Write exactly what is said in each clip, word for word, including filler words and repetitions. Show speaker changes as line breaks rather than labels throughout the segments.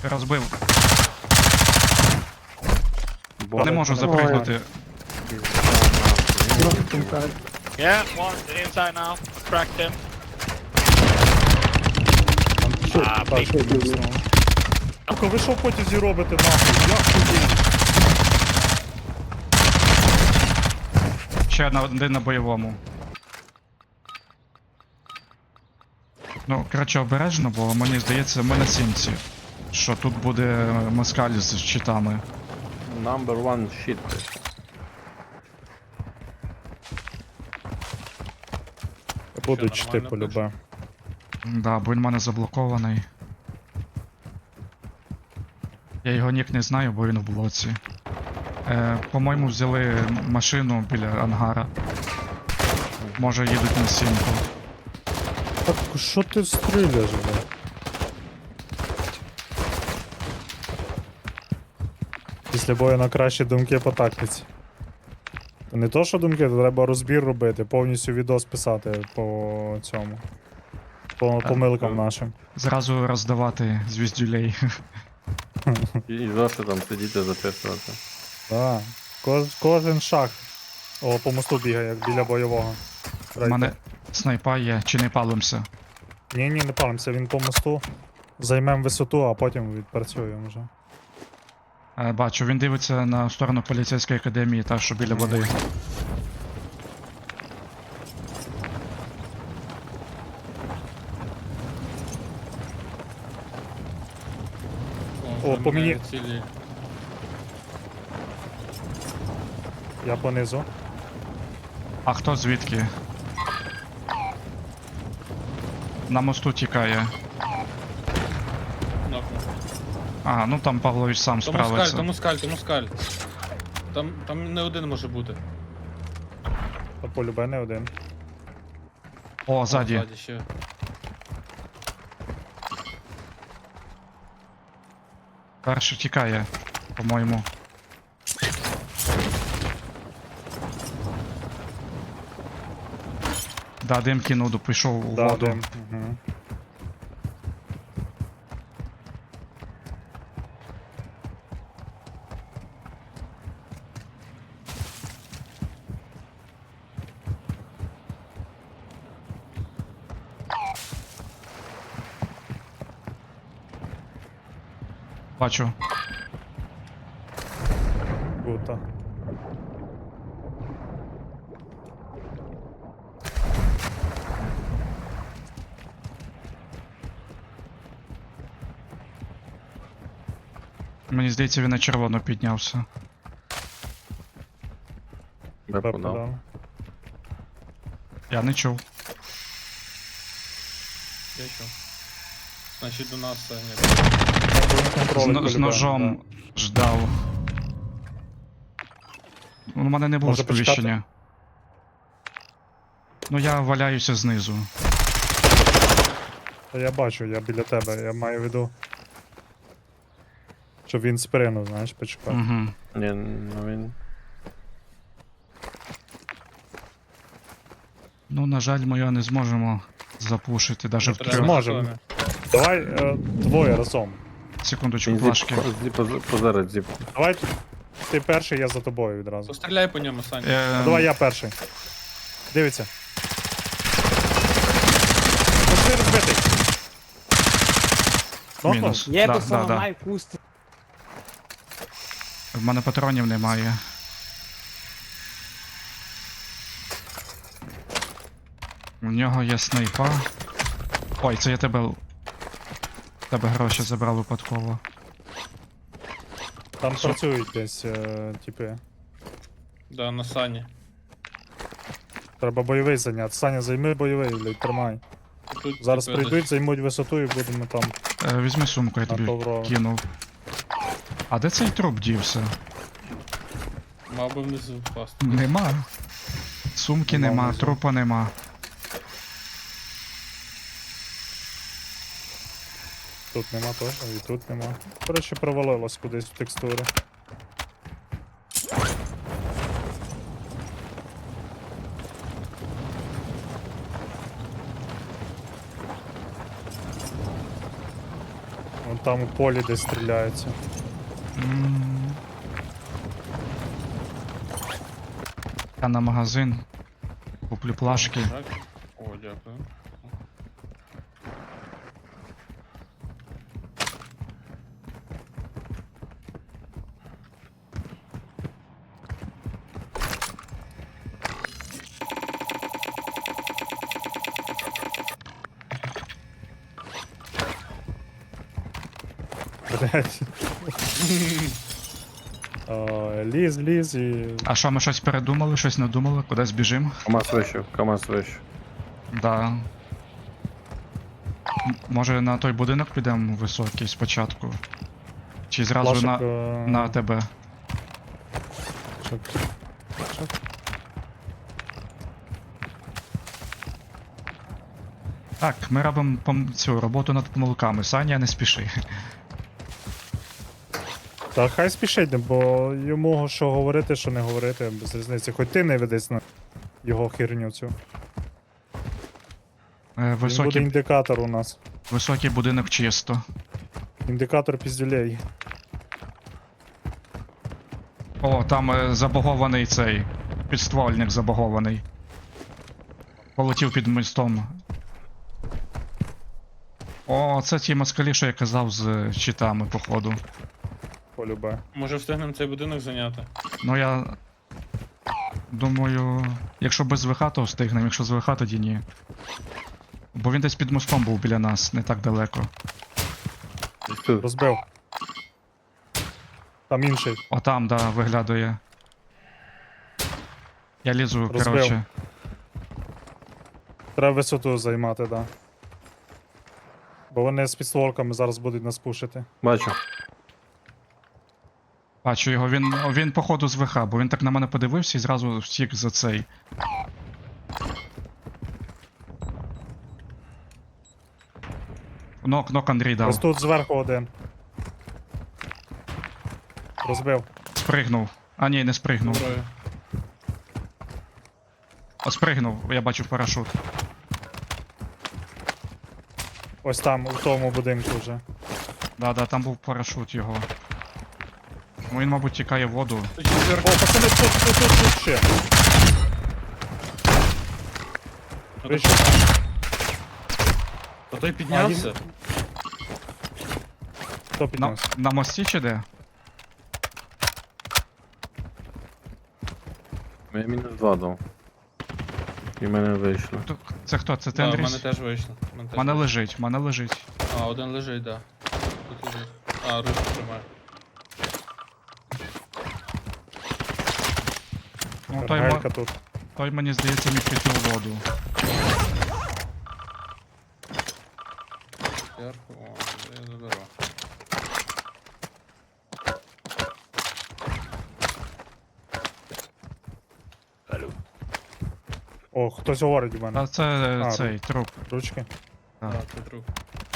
Розбив.
Бо
Не можу запригнути.
Yeah, one inside now. Cracked him.
А,
big.
Сука, ви що в потязі робите нахуй? Як туди?
Ще на- один на бойовому. Ну, коротше, обережно, бо мені здається, ми на сімці. Що тут буде москаль з щитами.
Number one shit.
Будуть
Що,
чти
нормально
полюбе.
Да, бо він в мене заблокований. Я його нік не знаю, бо він в блоці. Е, по-моєму, взяли машину біля ангара. Може їдуть на сімку.
Так що ти стріляєш, бля? Після бою на кращі думки по тактиці. То не то, що думки, то треба розбір робити, повністю відос писати по цьому. По помилкам нашим.
Зразу роздавати звіздюлей.
І, і завжди там сидіти записувати.
Да. Кож, кожен шаг. О, по мосту бігає, як біля бойового.
У мене снайпа є, чи не палимося.
Ні, ні, не палимося, він по мосту. Займемо висоту, а потім відпрацюємо вже.
Е, бачу, він дивиться на сторону поліцейської академії, та що біля води.
О, по мені. Я понизу.
А хто звідки? На мосту тікає. А, ну там Павлович сам
То мускаль,
справиться.
то мускаль, то мускаль. Там, там не один може бути.
Та полюбе не один.
О, ззаді.
Ззаді ще.
Перший тікає, по-моєму. Да, дим кинув, пішов у
Да,
воду.
дим. Угу.
Бачу.
Гута.
Мені здається, він на червоно піднявся.
Бепу
Пепу
дав.
дав.
Я не чув.
Я що? Значить до нас це ні.
З,
Контроль
но- з
полюбе,
ножом ждав. У мене не було
Може, почекати?
сповіщення. Ну я валяюся знизу.
Та я бачу, я біля тебе, я маю в виду. Щоб він спринув, знаєш, почекав.
Угу.
Ні, ну він.
Ну,
Ну, на жаль, ми його не зможемо запушити, навіть
Не
в
треба.
трьох.
Зможемо. Давай е, двоє разом.
Секундочку,
Він
флажки.
зіп, зіп, поз- позарить зіп.
Давай ти перший, я за тобою відразу.
Постріляй по ньому, Саня.
Е,
Ну, давай я перший. Дивіться. Пошли розбитий. Нокнув?
Мінус.
Я
Да,
би
да,
саме
да.
маю куст.
В мене патронів немає. У нього є снайпа. Ой, це я тебе. Тебе гроші забрав випадково.
Там працюють десь, е, типи.
Да, на Сані.
Треба бойовий зайняти. Саня, займи бойовий, блядь, тримай.
Тут
Зараз
типу,
прийдуть,
десь-
займуть висоту і будемо там
Е, візьми сумку, я
на
тобі
Тавро.
кинув. А де цей труп дівся?
Мав би внизу впасти.
Нема. Сумки
Нема
нема,
внизу.
трупа нема.
Тут нема теж, і тут нема. Коротше, провалилось кудись в текстури. От там у полі десь стріляються.
М. Я на магазин. Куплю плашки.
Так. О, дякую.
Блять. Ліз, ліз і.
А що, ми щось передумали, щось надумали, кудись біжимо?
КамАЗ вище, КамАЗ вище.
Да. М- Може на той будинок підемо високий спочатку? Чи зразу
Плашок,
на,
е,
на тебе?
плашок. Плашок.
Так, ми робимо пом- цю роботу над помилками. Саня, не спіши.
Та хай спішить, бо йому що говорити, що не говорити, без різниці. Хоч ти не ведись на його херню цю.
Е,
Він буде
Високий,
індикатор у нас.
високий будинок чисто.
Індикатор піздюлей.
О, там е, забагований цей. Підствольник забагований. Полетів під мостом. О, це ті москалі, що я казав з щитами, походу.
Полюбе.
Може встигнемо цей будинок зайняти?
Ну я. Думаю. Якщо без ВХ, то встигнемо, якщо з ВХ, тоді ні. Бо він десь під мостом був біля нас, не так далеко.
Десь тут.
Розбив. Там інший.
О, там, да, виглядає. Я лізу,
Розбив.
коротше.
Треба висоту займати, да. Бо вони з підстволками зараз будуть нас пушити.
Бачу.
Бачу його, він, він походу з ВХ, бо він так на мене подивився і зразу втік за цей. Нок, нок Андрій
Ось
дав.
тут зверху один. Розбив.
Спригнув. А ні, не спригнув.
Зброю.
О, спригнув, я бачу парашут.
Ось там, у тому будинку вже.
Да, да, там був парашут його. Ну він, мабуть, тікає в воду.
Тут є зверху.
О, пацани, тут, тут, тут, тут ще.
А
Вийшов.
то той піднявся.
Хто
На,
піднявся?
на мості чи де?
Я мінус два дав. І в мене вийшло.
Хто- Це хто? Це ти,
Да, в
Андрій?
мене теж вийшло. В мене теж
Мене
вийшло.
лежить, мене лежить.
А, один лежить, да. Тут лежить. А, ручку тримає.
Ну, той, мо-
Гелька тут.
той мені здається міг піти у воду.
Зверху, о, я заберу.
О, хтось говорить у мене.
А це е,
А,
цей труп.
Ручки.
Так.
Так, це труп.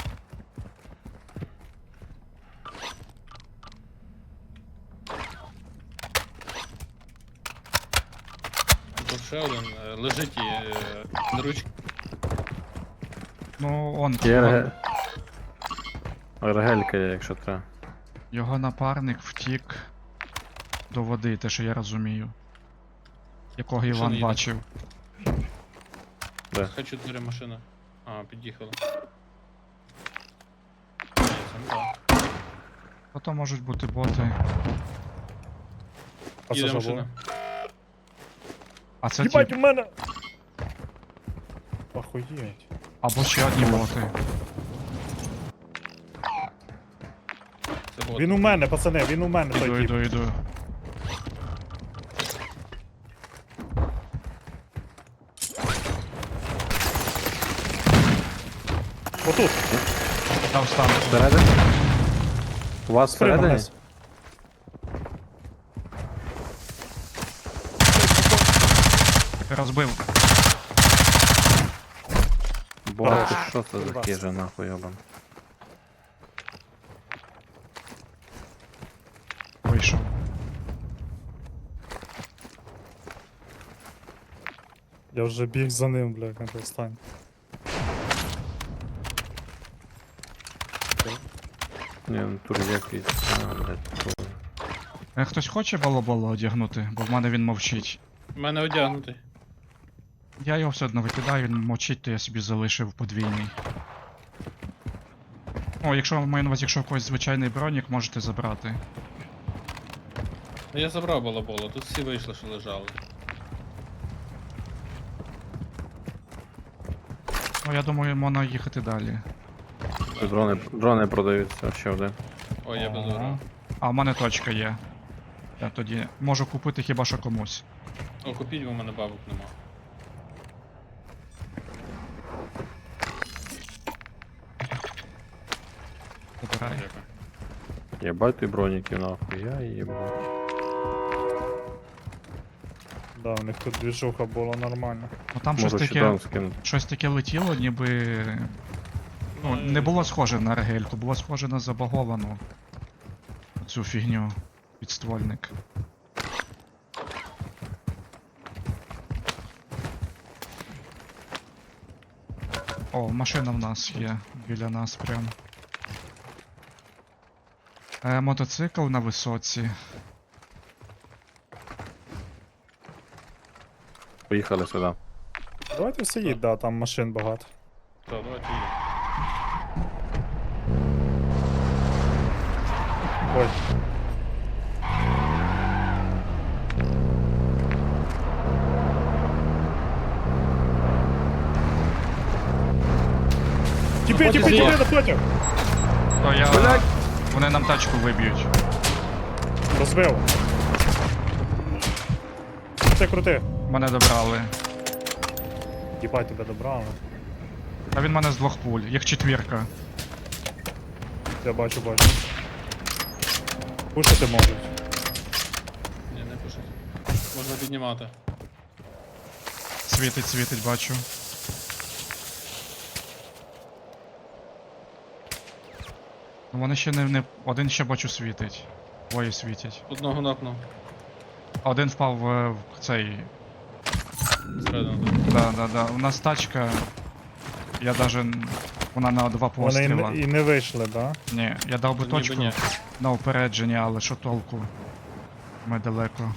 Тут ще один е, лежить і е, на ручці.
Ну, он.
Є
Його,
ерге... Ергелька є, якщо треба.
його напарник втік до води, те, що я розумію. Якого
Машина
Іван
їде.
бачив.
Де?
Хай чотири машини. А, під'їхали. Ні, це не так.
А то можуть бути боти.
А це
Їде
що
машина.
було?
А це
Їбать,
ті.
у мене! Охуєть.
Або ще одні боти.
Це бот.
Він у мене, пацани, він у мене
Іду,
той тип.
іду, іду.
Отут.
Дав стан.
Всередині? У вас
Спригнув
всередині?
вниз.
Розбив.
Боже,
Хорош.
що це за
Курва.
хижа нахуй, йобан.
Вийшов.
Я вже біг за ним, бля, на той стань.
Ні, ну тут якийсь. А, блядь, то-
Е, Хтось хоче балабола одягнути, бо в мене він мовчить.
У мене одягнутий.
Я його все одно викидаю, він мовчить, то я собі залишив подвійний. О, якщо маю на увазі, якщо у когось звичайний бронік, можете забрати.
Ну, я забрав балаболу, тут всі вийшли, що лежали.
Ну, я думаю, можна їхати далі.
Тут Дрони, дрони продаються, ще один.
Ой, я без
Ага.
урона.
А в мене точка є. Я тоді можу купити хіба що комусь.
О, купіть, бо в мене бабок нема.
Забирай.
Дякую.
Єбать ти броніки нахуй, я їбать.
Да, у них тут двіжуха була нормальна.
Ну там щось
Можу ще
таке.
там скинути.
Щось таке летіло, ніби. Ну, не було схоже на регельку, було схоже на забаговану цю фігню. Підствольник. О, машина в нас є біля нас прям. Е, мотоцикл на висоці.
Поїхали сюди.
Давайте все їдь, да, там машин багато.
Так, давайте їдемо.
Ой. Тіпи, тіпи, тіпи, напротив!
То я.
Блядь!
Вони нам тачку виб'ють.
Розбив. Це крути.
Мене добрали.
Їбать, тебе добрали.
А він мене з двох пуль, їх четвірка.
Я бачу, бачу. Пушити можуть.
Ні, не пишуть. Можна піднімати.
Світить, світить, бачу. Ну вони ще не, не. Один ще бачу світить. Двоє світять.
Одного нокнув.
А один впав в, в цей.
Зсередину тут.
Да, да, да. У нас тачка. Я даже. н- Вона на два
Вони і
постріла.
не, і не вийшли, да?
Ні, я дав би
Ніби
точку
ні.
на упередження, але що толку? Ми далеко.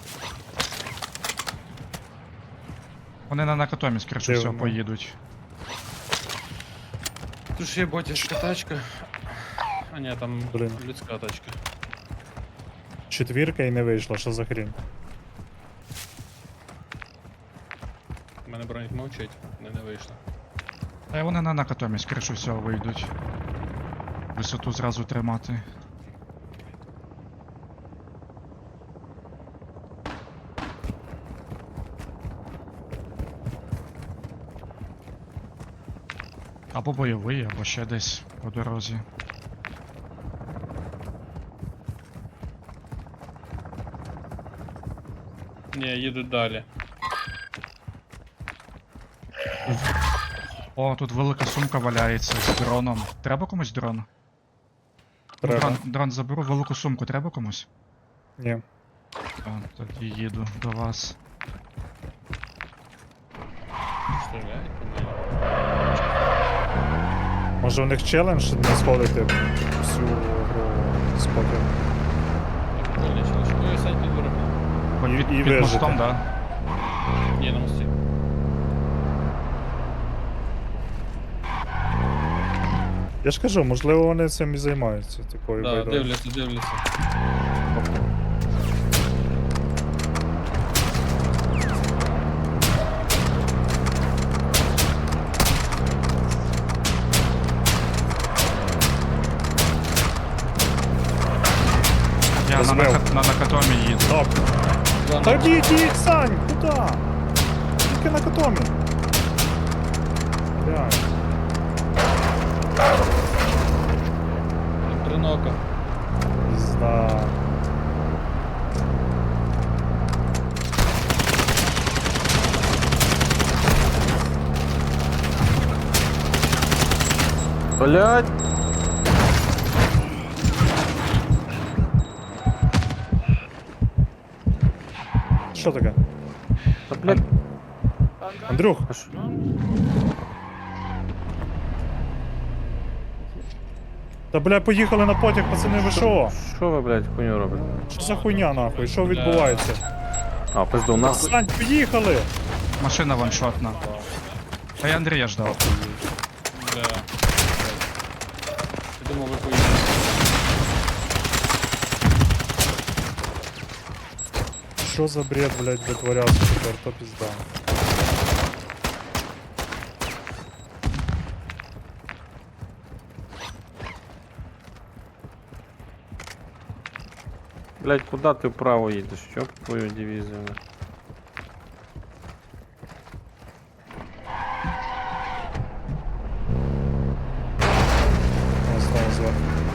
Вони на накатомі, скоріше всього,
Дивно.
поїдуть.
Тут ж є ботячка тачка. А ні, там
Блін.
людська тачка.
Четвірка і не вийшла, що за хрінь?
У мене бронік мовчить, не, не вийшло.
Та й вони на накатомі, скоріше всього, вийдуть. Висоту зразу тримати. Або бойовий, або ще десь по дорозі.
Ні, їдуть далі.
О, тут велика сумка валяється з дроном. Треба комусь дрон?
Треба.
Дрон, дрон заберу, велику сумку треба комусь?
Ні.
А, тоді їду до вас.
Стріляють по мені.
Може у них челендж не сходити всю гру спокійно.
Прикольний челендж. Ой, сядь під дверима.
Під,
І-
під,
і
під
вижити.
мостом, да?
Ні, на мості.
Я ж кажу, можливо вони цим і займаються, такою
Да,
байдою.
дивляться, дивляться.
Я на,
Розбив.
нака- на накатомі їду.
Нок.
Два
Та
нокнув.
йдіть, йдіть, Сань, куди? Тільки на котомі. Блядь.
Три нока.
Пізда.
Блять!
Що таке?
Та блять!
Андрюх,
А що?
Та бля, поїхали на потяг, пацани, ви що?
Що ви, блядь, хуйню робите?
Що за хуйня нахуй? Що відбувається?
А, пизду, нахуй.
Сань, поїхали!
Машина ваншотна. Та я Андрія ждав.
Бля. Я думав, ви поїдете.
Що за бред, блядь, витворявся тепер, то пізда.
Блядь, куди ти вправо їдеш? Що твою дивізію?
О, знову зверху.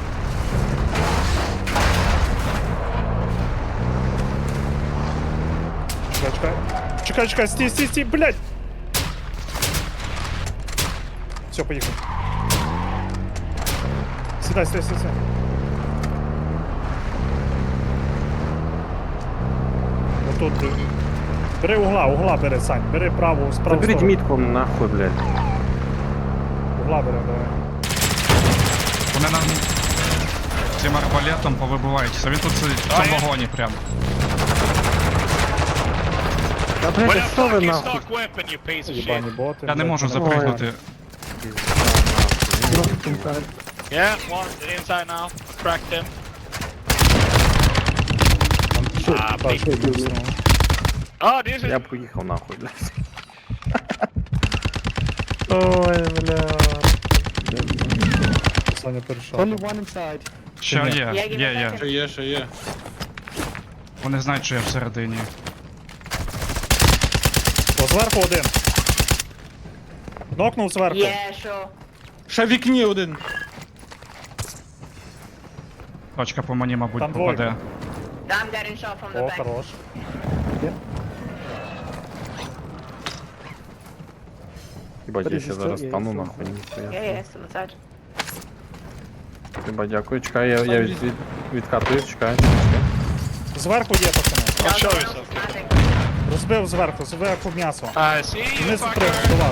Чекай, чекай. Чекай, чекай, стій, стій, стій, блядь! Все, поїхали. Сідай, сідай, сідай, сідай. Отут. е, Бери угла, угла бери, Сань. Бери праву, справу
Заберіть
сторону.
мітку нахуй, блядь.
Угла бери, давай.
Вони нам цим арбалетом повибиваються. Він тут сидить в цьому вагоні прям.
Та,
Where
блядь,
the
що ви
fuck is
нахуй?
stock weapon, you piece of shit?
Єбані боти.
Я не
блядь,
можу
вони-
запригнути.
Yeah, one inside now. Cracked him. Ah,
Так,
big.
що йду знову.
Oh, this is.
Я поїхав нахуй, блядь. Ой, бля.
Саня перейшов.
Ще є, є, є.
Що є, що є.
Вони знають, що я всередині.
О, зверху один. Нокнув зверху.
Yeah, sure.
Ще в вікні один.
Точка по мені, мабуть,
Там
попаде.
двойка.
I'm getting shot from the
О,
back.
хорош.
Хіба я ще зараз стану нахуй, ніхуя.
Yeah, yeah, still inside.
Хіба дякую, чекай, я, я від, від, відкатуюсь, чекай, чекай.
Зверху є, пацани.
I'll show
Someone
you
else is
something.
planting.
Розбив зверху, зверху м'ясо.
I see you,
Вниз прыг
fucker.
до вас.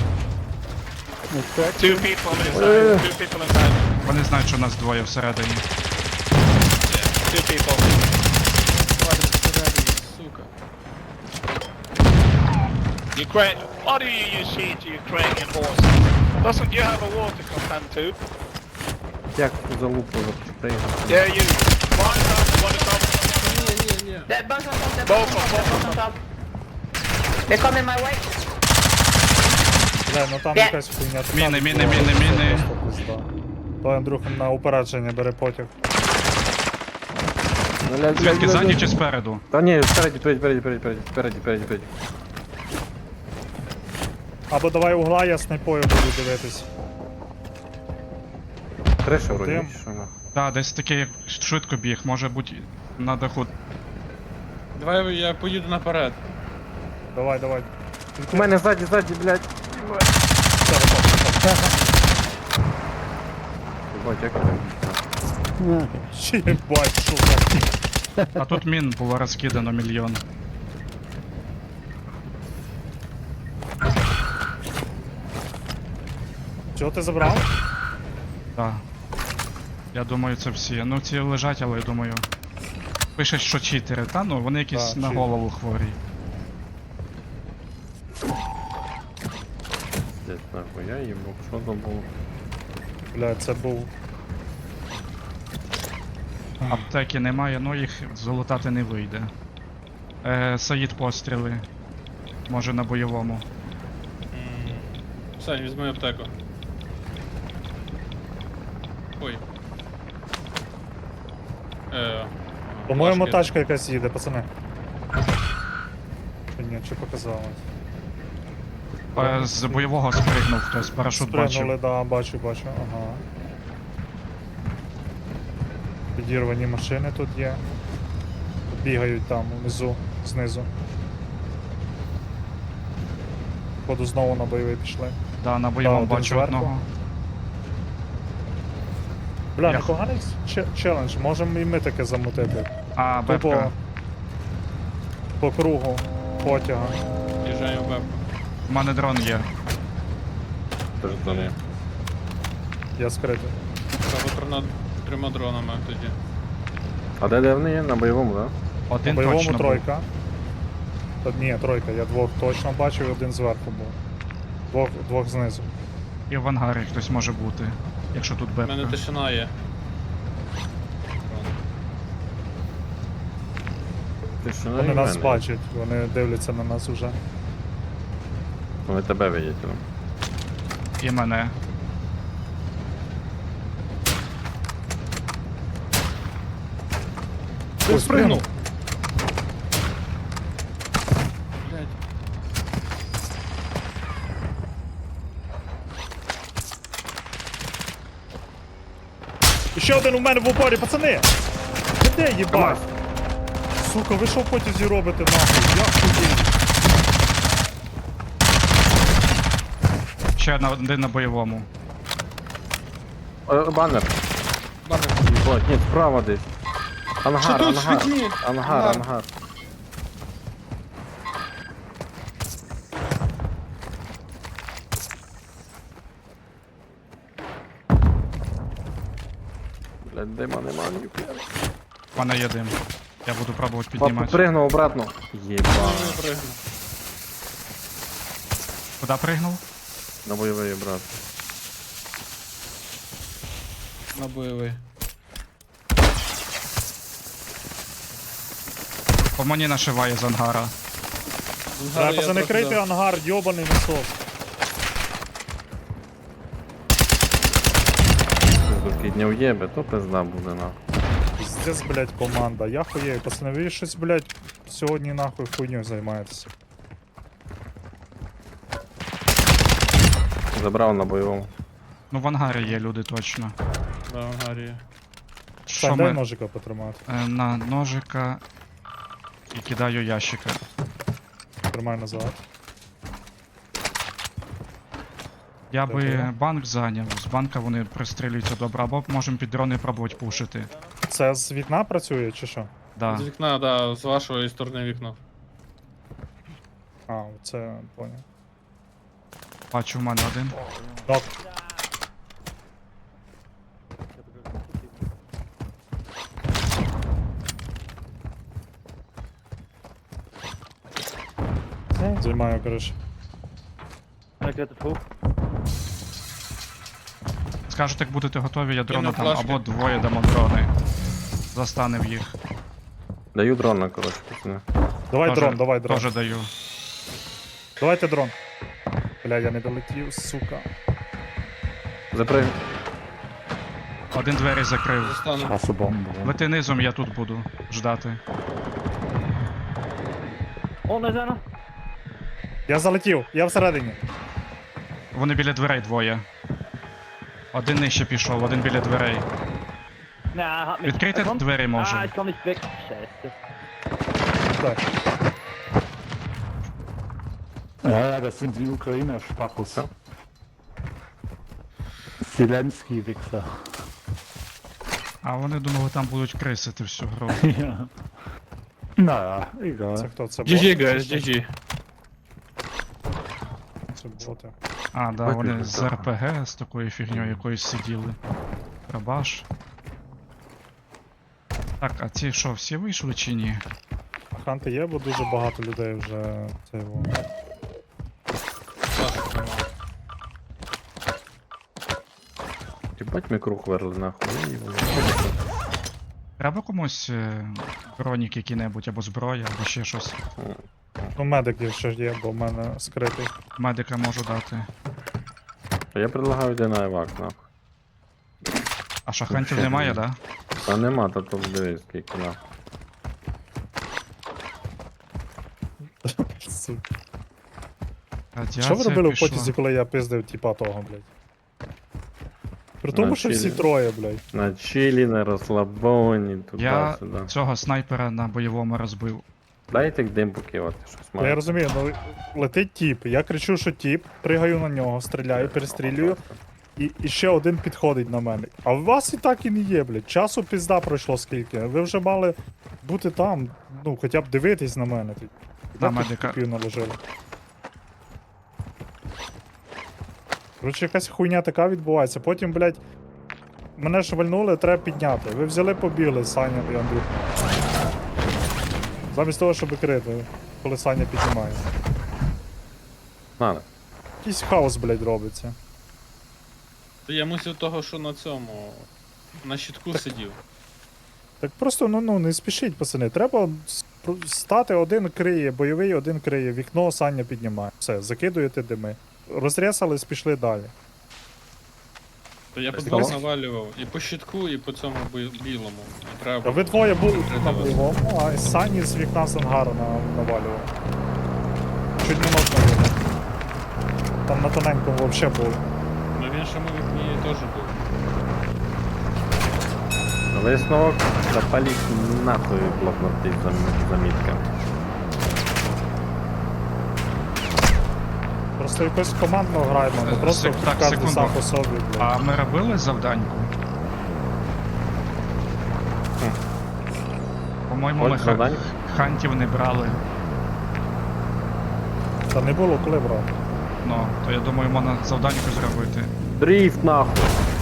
Two people inside. Two people inside.
Вони знають, що нас двоє всередині.
Two people.
Сука.
Ukraine. Why do you use sheet to Ukrainian horse? Doesn't you have a war to contend to?
Як ту залупу запустити?
Yeah, you. One is up, one is up.
Ні, ні, ні.
They're both on top, they're
Both
both on
on
top, they're both on top. They're coming my way.
Бля, ну там
Де?
якась хуйня. така
Міни, міни,
відбувається,
міни, міни.
просто пизда. То Андрюх на упередження бере потяг.
Звідки, ззаді чи спереду?
Та ні, спереді, спереді, спереді, спереді, спереді, спереді, спереді.
Або давай угла, я снайпою буду дивитись.
Криша вроді,
Дим.
чи що нахуй.
Так, десь такий як швидко біг, може бути на даху.
Давай я поїду наперед.
Давай, давай.
У мене ззаді, ззаді, блядь.
Все, виходь.
Ебать, як ти?
Ще єбать, що за...
А тут мін було розкидано мільйон.
Чого ти забрав?
Так. Я думаю, це всі. Ну ці лежать, але я думаю. Пише, що читери, та ну вони якісь
Так,
на
читери.
голову хворі.
Блядь, нахуй, я їбав, що там було?
Бля, це був...
Аптеки немає, ну їх золотати не вийде. Е, Саїд постріли. Може на бойовому.
Сань, візьми аптеку. Ой. Е,
По-моєму,
важкі.
тачка якась їде, пацани. Чи ні, чи показалось?
Е, з бойового спригнув хтось, парашут
Спригнули,
бачив.
да, бачу, бачу, ага. Підірвані машини тут є. Бігають там внизу, знизу. Походу знову на бойовий пішли.
Да, на бойовому
один
бачу
зверху.
одного.
Бля,
Я-
непоганий че- челендж, можемо і ми таке замутити.
А,
Тупо
бебка.
по кругу потяга.
Їжджаємо в бебку.
У мене дрон є.
Тож до неї.
Я скритий.
Треба трьома, трьома дронами тоді.
А де де вони є? На бойовому, так?
На
Один
бойовому
точно був.
тройка. Та, ні, тройка, я двох точно бачив, і один зверху був. Двох, двох знизу.
І в ангарі хтось може бути, якщо тут
У мене
бепка.
тишина є.
Ти що,
Вони нас бачать, вони дивляться на нас уже.
Вони тебе видять. ну.
І мене.
Ой, спригнув.
Блядь.
І ще один у мене в упорі, пацани! Ви де, їбать? Сука, ви що в потязі робите нахуй? Як туди?
Ще на- один на бойовому.
О, банер.
Банер.
Єбать, ні, справа десь. Ангар,
Що тут,
ангар.
світлі?
Ангар,
Ангар.
ангар. Блядь, дима нема ніхуя.
У мене є дим. Я буду пробувати
Папа
піднімати.
пригнув обратно. Єба.
Я пригну.
Куди пригнув?
На бойовий брат.
На бойовий.
По мені нашиває з ангара.
Ангар
Треба,
я
пацани,
трохи
крийте
дав.
ангар, йобаний насос.
Тут підняв єбе, то пизда буде нахуй.
Пиздец, блядь, команда. Я хуєю, пацани, ви щось, блядь, сьогодні нахуй хуйню займаєтеся.
Забрав на бойовому.
Ну в ангарі є люди точно.
Да, в ангарі є.
Що
Сань, дай
ми
ножика потримати.
е, на ножика і кидаю ящика.
Тримай назад.
Я би
Добре.
банк зайняв, з банка вони пристрілюються добре, або можемо під дрони пробувати пушити.
Це з вікна працює чи що?
Да.
З вікна, да, з вашої сторони вікно.
А, це поняв.
Бачу, в мене один.
Нок. Займаю, коротше.
Скажете, як будете готові, я дрона
Кину
дам,
флешки.
або двоє дамо дрони. Застанем їх.
Даю дрона, коротше, пацани.
Давай
Тоже-
дрон, давай дрон.
Тоже даю.
Давайте дрон. Бля, я не долетів, сука.
Заприг.
Один двері закрив.
Застану.
Лети низом, я тут буду ждати.
Я залетів, я всередині.
Вони біля дверей двоє. Один нижче пішов, один біля дверей. Відкрийте двері може.
Так.
Ja, das sind die Ukrainer Spachus. Zelensky Wichser.
А вони думали, там будуть крисити всю гру.
Ja. Naja, egal.
Це хто? Це
джі джі,
боти?
guys, джі джі.
Це боти.
А, да,
Виключно,
вони з
так.
ар пе ге, з такою фігньою якоюсь сиділи. Рабаш. Так, а ці що, всі вийшли чи ні?
А ханти є, бо дуже багато людей вже це його.
Саша тримав.
Єбать ми круг верли нахуй. І воно.
Треба комусь е, бронік який-небудь, або зброя, або ще щось.
Ну, медик ще є, бо в мене скритий.
Медика можу дати.
Я предлагаю йти на евак, нахуй.
А шахантів
Ще
немає,
ні.
да?
А нема, то тут дивись, скільки нахуй.
Сука.
Радіація
Що ви робили в
пішла.
потязі, коли я пиздив типа того, блядь? При тому,
На
що всі
чилі.
троє, блядь.
На чилі, на розслабоні,
Я
туди-сюди.
цього снайпера на бойовому розбив.
Дайте дим покивати, щось
Ну, я
має.
розумію, ну летить тіп, я кричу, що тіп, пригаю на нього, стріляю, перестрілюю, і, і ще один підходить на мене. А у вас і так і не є, блядь. Часу пізда пройшло скільки. Ви вже мали бути там, ну, хоча б дивитись на мене.
На
Де тут
медика.
тіпів наложили? Коротше, якась хуйня така відбувається. Потім, блядь, Мене швальнули, треба підняти. Ви взяли, побігли, Саня і Андрюх. Замість того, щоб крити, коли Саня піднімає.
Надо.
Якийсь хаос, блядь, робиться.
Та я мусив того, що на цьому. На щитку сидів.
Так просто ну, ну не спішіть, пацани. Треба с- про- стати, один криє, бойовий, один криє, вікно Саня піднімає. Все, закидуєте дими. Розрясались, пішли далі.
То я по
Так,
двох
стало?
навалював. І по щитку, і по цьому бі- білому. І треба
А ви двоє були
Треба
на
вас.
бойовому, а Сані з вікна з ангару на, навалював. Чуть не нокнув його. Там на тоненькому взагалі був.
Ну в іншому вікні теж був.
Висновок запаліть нахуй блокноти зам- замітка.
Просто якось командно граємо, не
Е,
просто
сек- так,
кожен
секунду.
сам по собі, блядь.
А ми робили завданьку? По-моєму, ми
Хоч
ха-
завдань?
хантів не брали.
Та не було коли брати.
Ну, то я думаю, можна завданьку зробити.
Дріфт нахуй!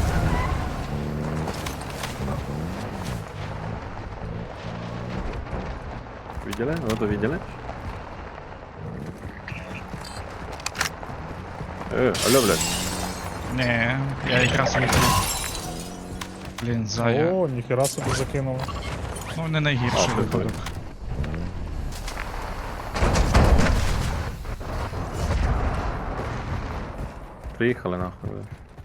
Видели? Вот увидели? Э, алло, блядь.
Не, я якраз вийшов. Блін, зая.
О, ніхера собі закинуло.
Ну, не найгірший
А, прикольно.
випадок.
Приїхали нахуй. блядь.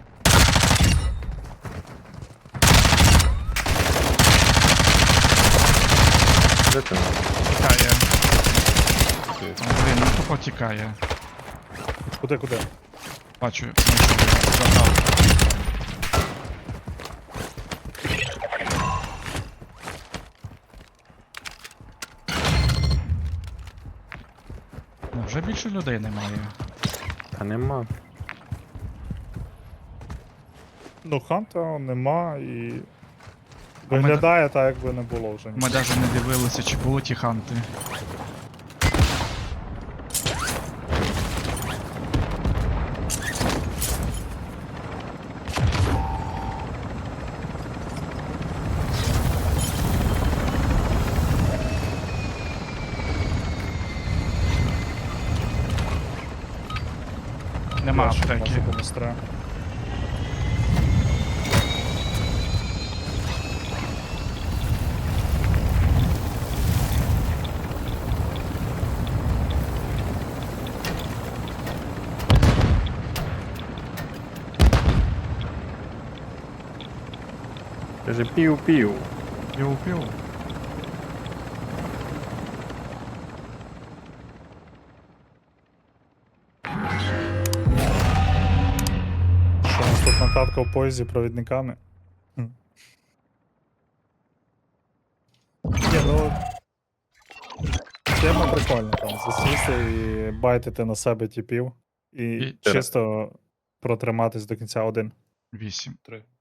Де ти нахуй?
Тікає. О, блін, ну тупо тікає.
Куди, куди?
Бачу, забрав. Ну, вже більше людей немає.
Та нема.
Ну, ханта нема і. Виглядає так, якби не було вже.
Ми навіть не дивилися, чи були ті ханти. Нема аптеки.
Демонстра.
Каже пів-пів.
Пів-пів.
Що у нас тут накатка в поїзді провідниками? Хм. Ні, ну. Тема прикольна там. Засісти і байтити на себе типів. І,
І-
чисто протриматись до кінця один.
Вісім.
Три.